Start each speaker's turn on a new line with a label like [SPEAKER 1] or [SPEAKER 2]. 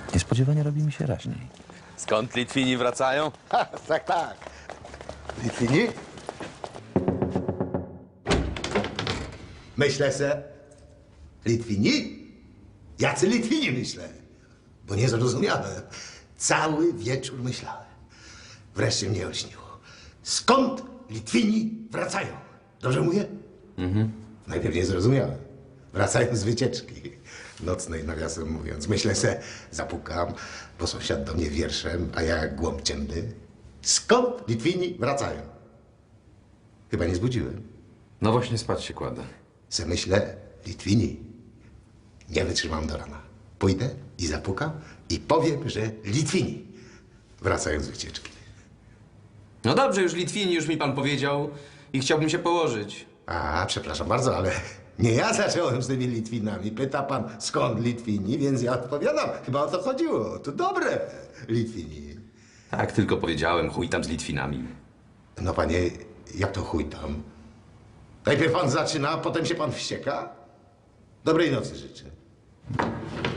[SPEAKER 1] Niespodziewanie robi mi się raźniej.
[SPEAKER 2] Skąd Litwini wracają?
[SPEAKER 3] Ha, tak, tak. Litwini? Myślę se. Litwini? Jacy Litwini myślę? Bo nie zrozumiałem. Cały wieczór myślałem. Wreszcie mnie olśniło. Skąd Litwini wracają? Dobrze mówię? Najpierw nie zrozumiałem. Wracają z wycieczki nocnej, nawiasem mówiąc. Myślę se, zapukam, bo sąsiad do mnie wierszem, a ja jak głąb ciemny. Skąd Litwini wracają? Chyba nie zbudziłem.
[SPEAKER 4] No właśnie spać się kładę.
[SPEAKER 3] Se myślę, Litwini. Nie wytrzymam do rana. Pójdę i zapukam i powiem, że Litwini wracają z wycieczki.
[SPEAKER 4] No dobrze, już Litwini, już mi pan powiedział i chciałbym się położyć.
[SPEAKER 3] A, przepraszam bardzo, ale nie ja zacząłem z tymi Litwinami. Pyta pan, skąd Litwini, więc ja odpowiadam. Chyba o to chodziło. To dobre, Litwini.
[SPEAKER 4] Tak, tylko powiedziałem, chuj tam z Litwinami.
[SPEAKER 3] No panie, jak to chuj tam? Najpierw pan zaczyna, a potem się pan wścieka? Dobrej nocy życzę.